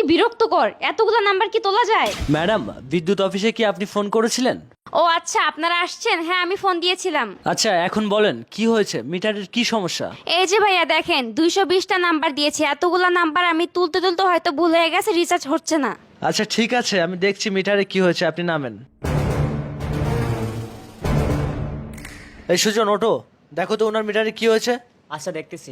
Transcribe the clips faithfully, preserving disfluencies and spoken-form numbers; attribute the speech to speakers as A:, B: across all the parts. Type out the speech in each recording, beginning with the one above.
A: বিরক্তকর, এতগুলো নাম্বার কি তোলা যায়?
B: ম্যাডাম, বিদ্যুৎ অফিসে কি আপনি ফোন করেছিলেন?
A: ও আচ্ছা, আপনারা আসছেন। হ্যাঁ, আমি ফোন দিয়েছিলাম।
B: আচ্ছা, এখন বলেন কি হয়েছে, মিটারের কি সমস্যা?
A: এই যে ভাইয়া দেখেন, দুইশো বিশটা নাম্বার দিয়েছি। এতগুলো নাম্বার আমি তুলতে তুলতে হয়তো ভুল হয়ে গেছে, রিচার্জ হচ্ছে না।
B: আচ্ছা ঠিক আছে, আমি দেখছি মিটারে কি হয়েছে, আপনি নামেন। এই সুজন, ওটো, দেখো তো ওনার মিটারে কি হয়েছে।
C: আচ্ছা দেখতেছি।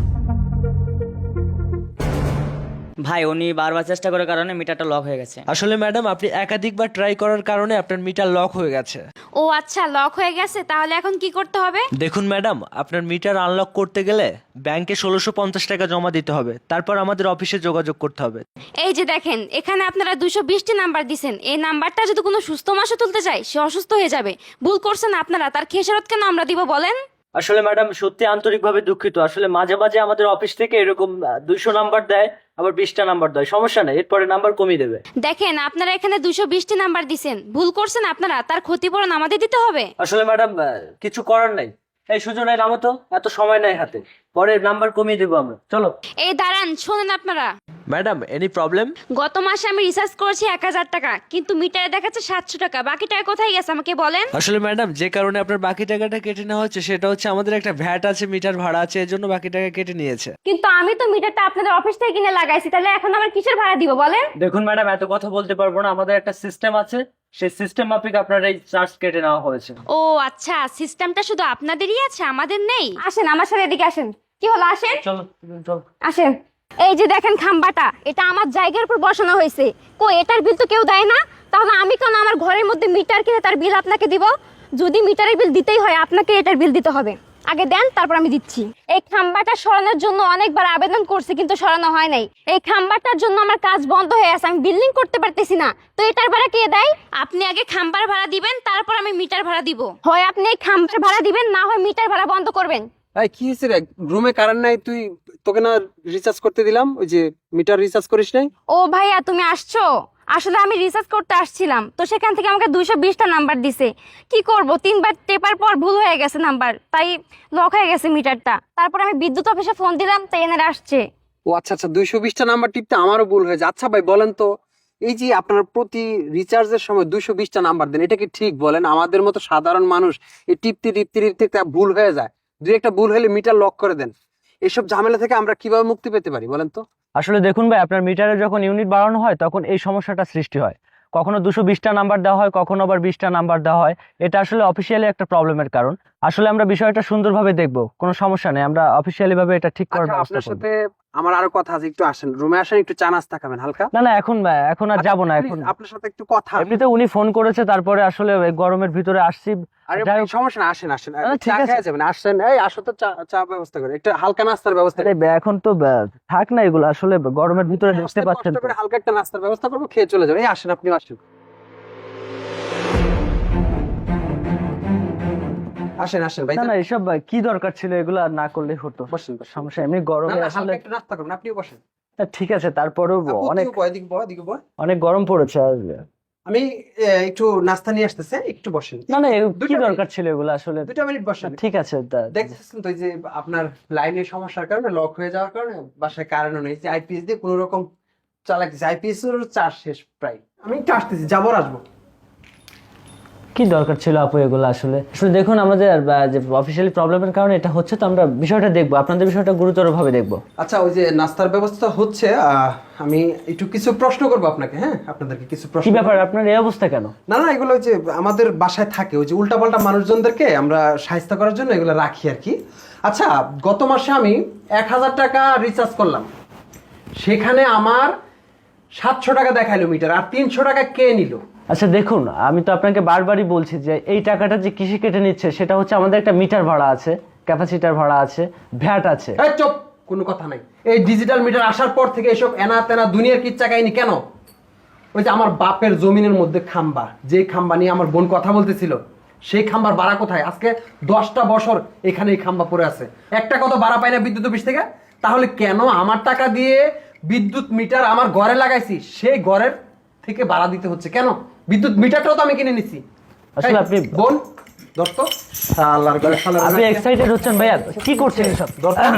C: ভাই, উনি বারবার চেষ্টা করার কারণে মিটারটা লক হয়ে গেছে।
B: আসলে ম্যাডাম, আপনি একাধিকবার ট্রাই করার কারণে আপনার মিটার লক হয়ে গেছে।
A: ও আচ্ছা, লক হয়ে গেছে। তাহলে এখন কি করতে হবে?
B: দেখুন ম্যাডাম, আপনার মিটার আনলক করতে গেলে ব্যাংকে ষোলোশো পঞ্চাশ টাকা জমা দিতে হবে, তারপর আমাদের অফিসে যোগাযোগ করতে হবে।
A: এই যে দেখেন, এখানে আপনারা দুশো বিশটি নাম্বার দিছেন। এই নাম্বারটা যদি কোনো সুস্থ মানুষ তুলতে চায়, সে অসুস্থ হয়ে যাবে। ভুল করছেন আপনারা, তার খেসারত কেন আমরা দিব বলেন?
B: আসলে ম্যাডাম, সত্যি আন্তরিকভাবে দুঃখিত। আসলে মাঝে মাঝে আমাদের অফিস থেকে এরকম দুইশো নাম্বার দেয়, আবার বিশটা নাম্বার দেয়। সমস্যা নেই, এরপরে নাম্বার কমিয়ে দেবে।
A: দেখেন, আপনারা এখানে দুশো বিশটি নাম্বার দিছেন। ভুল করছেন আপনারা, তার ক্ষতিপূরণ আমাদের দিতে হবে।
B: আসলে ম্যাডাম, কিছু করার নাই। এই সুজনের নামো তো, এত সময় নাই হাতে, পরে নাম্বার কমিয়ে দেবো আমরা। চলো।
A: এই দাঁড়ান, শোনেন আপনারা।
B: Madam, any problem?
A: গত মাসে আমি রিচার্জ করেছি এক হাজার টাকা, কিন্তু মিটারে দেখাচ্ছে সাতশো টাকা। বাকি টাকা কোথায় গেছে আমাকে বলেন?
B: আসলে ম্যাডাম, যে কারণে আপনার বাকি টাকাটা কেটে নেওয়া হচ্ছে সেটা হচ্ছে আমাদের একটা ভ্যাট আছে, মিটার ভাড়া আছে, এর জন্য বাকি টাকা কেটে নিয়েছে।
A: কিন্তু আমি তো মিটারটা আপনাদের অফিস থেকে কিনে লাগাইছি, তাহলে এখন আমার কিসের ভাড়া দিব বলেন?
B: দেখুন ম্যাডাম, এত কথা বলতে পারবো না। আমাদের একটা সিস্টেম আছে, সেই সিস্টেম মাফিক আপনার এই চার্জ কেটে নেওয়া হয়েছে।
A: ও আচ্ছা, সিস্টেমটা শুধু আপনাদেরই আছে, আমাদের নেই। আসেন আমার সাথে, এদিকে আসেন। কি হলো, আসেন।
B: চলো চলো
A: আসেন। এই যে দেখেন খাম্বাটা, এটা আমার জায়গার উপর বসানো হয়েছে। কই, এটার বিল তো কেউ দেয় না। তাহলে আমি কেন আমার ঘরের মধ্যে মিটার কিনে তার বিল আপনাকে দিব? যদি মিটারের বিল দিতেই হয়, আপনাকে এটার বিল দিতে হবে। আগে দেন, তারপর আমি দিচ্ছি। এই খাম্বাটা সরানোর জন্য অনেকবার আবেদন করছি, কিন্তু সরানো হয় নাই। এই খাম্বাটার জন্য আমার কাজ বন্ধ হয়ে আছে, আমি বিল্ডিং করতে পারতেছি না। তো এটার ভাড়া কে দেয়? আপনি আগে খাম্বার ভাড়া দিবেন, তারপর আমি মিটার ভাড়া দিব। হয় আপনি এই খাম্বার ভাড়া দিবেন, না হয় মিটার ভাড়া বন্ধ করবেন।
D: এই কি হয়েছে রে, রুমে কারেন্ট নাই, তুই তোকে না রিচার্জ করতে দিলাম, ওই যে মিটার রিচার্জ করিস নাই?
A: ও ভাইয়া, তুমি আসছো? আসলে আমি রিসার্চ করতে আসছিলাম, তো সেখান থেকে আমাকে দুইশো বিশটা নাম্বার দিছে। কি করব, তিনবার টেপার পর ভুল হয়ে গেছে নাম্বার, তাই লক হয়ে গেছে মিটারটা। তারপর আমি বিদ্যুৎ অফিসে ফোন দিলাম, তাই এনারা আসছে।
D: ও আচ্ছা আচ্ছা, দুইশো বিশটা নাম্বার টিপতে আমারও ভুল হয়েছে। আচ্ছা ভাই বলেন তো, এই যে আপনার প্রতি রিচার্জের সময় দুইশো বিশটা নাম্বার দেন, এটা কি ঠিক বলেন? আমাদের মতো সাধারণ মানুষ এই টিপতে টিপতে টিপতে তা ভুল হয়ে যায়। দুই একটা ভুল হলে মিটার লক করে দেন। এইসব ঝামেলা থেকে আমরা কিভাবে মুক্তি পেতে পারি বলেন তো?
B: আসলে দেখুন ভাই, আপনার মিটারে যখন ইউনিট বাড়ানো হয় তখন এই সমস্যাটা সৃষ্টি হয়। কখনো দুশো বিশটা নাম্বার দেওয়া হয়, কখনো আবার বিশটা নাম্বার দেওয়া হয়। এটা আসলে অফিসিয়ালি একটা প্রবলেমের কারণ। আসলে আমরা বিষয়টা সুন্দরভাবে দেখবো, কোনো সমস্যা নেই, আমরা অফিসিয়ালি ভাবে এটা ঠিক করার
D: আচ্ছা,
B: ব্যবস্থা
D: আপনার
B: করব।
D: সাথে আমার আরো কথা আছে, একটু আসেন রুমে, আসেন, একটু চা নাস্তা খাবেন হালকা।
B: না না, এখন এখন আর যাবো না।
D: আচ্ছা,
B: এখন
D: please, আপনার সাথে একটু কথা।
B: এমনিতে উনি ফোন করেছে, তারপরে আসলে এই গরমের ভিতরে আসছি।
D: আরে
B: যাই
D: ভাই,
B: হোক।
D: সমস্যা না, আসেন আসেন,
B: না, ঠিক
D: চা
B: আছে।
D: খেয়ে যাবেন, আসেন। এই আসো তো, চা চা ব্যবস্থা করে, একটু হালকা নাস্তার ব্যবস্থা
B: আরে বে- এখন তো বে- থাক না এগুলো, আসলে গরমের ভিতরে দেখতে
D: আস্তে
B: পাচ্ছেন
D: কষ্ট
B: তো।
D: করে হালকা একটা নাস্তার ব্যবস্থা করবো, খেয়ে চলে যাবেন। এই আসেন, আপনি আসেন, আসেন আসেন ভাই।
B: না না, এসব কি দরকার ছিল, এগুলো আর না করলে হতো।
D: বসেন বসেন।
B: সমস্যা, এমনি
D: না,
B: গরমে
D: না,
B: আসলে।
D: হালকা একটু নাস্তা করুন, আপনিও বসেন।
B: না, ঠিক আছে, তারপরেও
D: আপু,
B: অনেক
D: তুইও বয়, এদিকে বয়, এদিকে বয়।
B: অনেক গরম পড়েছে আর।
D: আমি এ, একটু নাস্তা নিয়ে আসতেছে, একটু বসেন।
B: না না, এ-
D: দুইটা
B: কি
D: মিনিট।
B: দরকার ছিল এগুলো আসলে?
D: দুইটা মিনিট বসেন।
B: ঠিক আছে, তা-
D: দেখতেছেন তো, এই যে আপনার লাইনের সমস্যার কারণে, লক হয়ে যাওয়ার কারণে বাসায় কারেন্টও নেই। যে আইপিএস দিয়ে কোনো রকম চালাইতেছে, আইপিএস এর চার্জ শেষ প্রায়। আমি একটু আসতেছি, যাবো আর আসবো।
B: কি দরকার ছিল আপু এগুলো? আসলে আসলে দেখুন, আমাদের আহ, যে অফিসিয়ালি প্রবলেমের কারণে এটা হচ্ছে, তো আমরা বিষয়টা দেখবো, আপনাদের বিষয়টা গুরুতর ভাবে দেখবো।
D: আচ্ছা, ওই যে নাস্তার ব্যবস্থা হচ্ছে, আহ, আমি একটু কিছু প্রশ্ন করবো আপনাকে। হ্যাঁ, আপনাদেরকে কিছু প্রশ্ন
B: কি
D: করবো।
B: ব্যাপার, আপনার এই অবস্থা কেন?
D: না না, এগুলো ওই যে আমাদের বাসায় থাকে, ওই যে উল্টাপাল্টা মানুষজনদেরকে আমরা সাহায্য করার জন্য এগুলো রাখি আর কি। আচ্ছা, গত মাসে আমি এক হাজার টাকা রিচার্জ করলাম, সেখানে আমার সাতশো টাকা দেখাইলো মিটার, আর তিনশো টাকা কে নিল?
B: আচ্ছা দেখুন, আমি তো আপনাকে বারবারই বলছি যে এই টাকাটা যে কৃষি কেটে নিচ্ছে, সেটা হচ্ছে আমাদের একটা মিটার ভাড়া আছে, ক্যাপাসিটার ভাড়া আছে, ভ্যাট আছে।
D: এই চুপ, কোনো কথা নাই। এই ডিজিটাল মিটার আসার পর থেকে এসব এনা তেনা দুনিয়ার কিচ্ছা কাহিনী কেন? ওই যে আমার বাপের জমিনের মধ্যে খাম্বা, যে খাম্বা নিয়ে আমার বোন কথা বলতেছিল, সেই খাম্বার ভাড়া কোথায়? আজকে দশটা বছর এখানে এই খাম্বা পড়ে আছে, একটা কত ভাড়া পাই না বিদ্যুৎ অফিস থেকে। তাহলে কেন আমার টাকা দিয়ে বিদ্যুৎ মিটার আমার ঘরে লাগাইছি, সেই ঘরের থেকে ভাড়া দিতে হচ্ছে কেন? বিদ্যুৎ মিটারটাও তো আমি কিনে নিছি।
B: আসলে
D: এই,
B: আপনি-
D: বোন দোস্ত, আল্লাহর ঘরে শালার
B: আপনি
D: ঘরে-
B: এক্সাইটেড হচ্ছেন ভাইয়া, কি করছেন এসব?
D: দরকার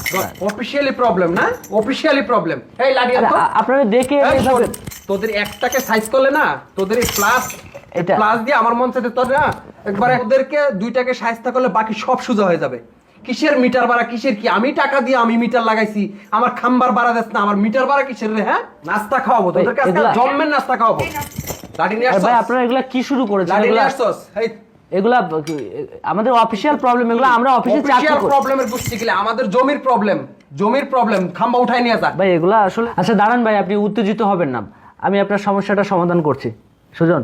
D: অফিসিয়ালি প্রবলেম না, অফিসিয়ালি প্রবলেম। এই লাগিয়ে
B: আরে,
D: তো
B: আ- আপনারা দেখে
D: এই শোন,
B: এইভাবে-
D: তোদের একটাকে সাইজ করলে না, তোদের এই প্লাস
B: এটা
D: প্লাস দিয়ে আমার মন চাইতে তোর না একবারে ওদেরকে দুইটাকে সাইজটা করলে বাকি সব সোজা হয়ে যাবে। কিসের মিটার ভাড়া, কিসের কি? আমি টাকা দিয়ে আমি মিটার লাগাইছি, আমার খাম্বার ভাড়া দিস না, আমার মিটার ভাড়া কিসের রে? হ্যাঁ, নাস্তা খাওয়াবো তোদেরকে, আজকে
B: এগুলা-
D: জন্মের নাস্তা খাওয়াবো। লাঠি নিয়ে
B: আরে
D: আসছস?
B: ভাই আপনারা এগুলা কি শুরু করেছেন?
D: লাঠি
B: এগুলা
D: নিয়ে আসছস? এই
B: এগুলা কি- আমাদের অফিসিয়াল প্রবলেম, এগুলো আমরা অফিসে চাকরি
D: অফিসিয়াল
B: করি।
D: প্রবলেমের বুঝছি গেলে আমাদের জমির প্রবলেম, জমির প্রবলেম, খাম্বা উঠাই নিয়ে যা।
B: ভাই এগুলা আসলে আচ্ছা দাঁড়ান ভাই, আপনি উত্তেজিত হবেন না, আমি আপনার সমস্যাটা সমাধান করছি। সুজন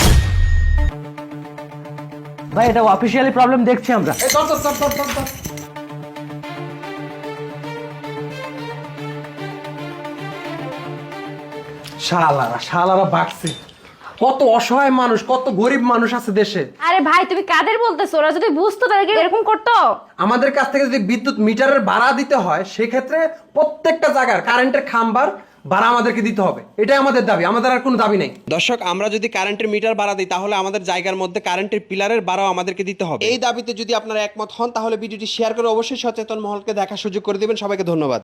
B: ভাই, এটা অফিসিয়ালি প্রবলেম দেখছি আমরা।
D: এই ধর ধর ধর ধর ধর ধর। শালারা শালারা বাড়ছে। কত অসহায় মানুষ, কত গরিব মানুষ আছে দেশে।
A: আরে ভাই তুমি কাদের বলতেছো? ওরা যদি বুঝতো তাহলে কি এরকম করতো?
D: আমাদের কাছ থেকে যদি বিদ্যুৎ মিটারের ভাড়া দিতে হয়, সেক্ষেত্রে প্রত্যেকটা জায়গার কারেন্টের খাম্বার ভাড়া আমাদেরকে দিতে হবে। এটাই আমাদের দাবি, আমাদের আর কোনো দাবি নেই।
E: দর্শক, আমরা যদি কারেন্টের মিটার ভাড়া দিই তাহলে আমাদের জায়গার মধ্যে কারেন্টের পিলারের ভাড়াও আমাদেরকে দিতে হবে। এই দাবিতে যদি আপনারা একমত হন তাহলে ভিডিওটি শেয়ার করে অবশ্যই সচেতন মহলকে দেখার সুযোগ করে দিবেন। সবাইকে ধন্যবাদ।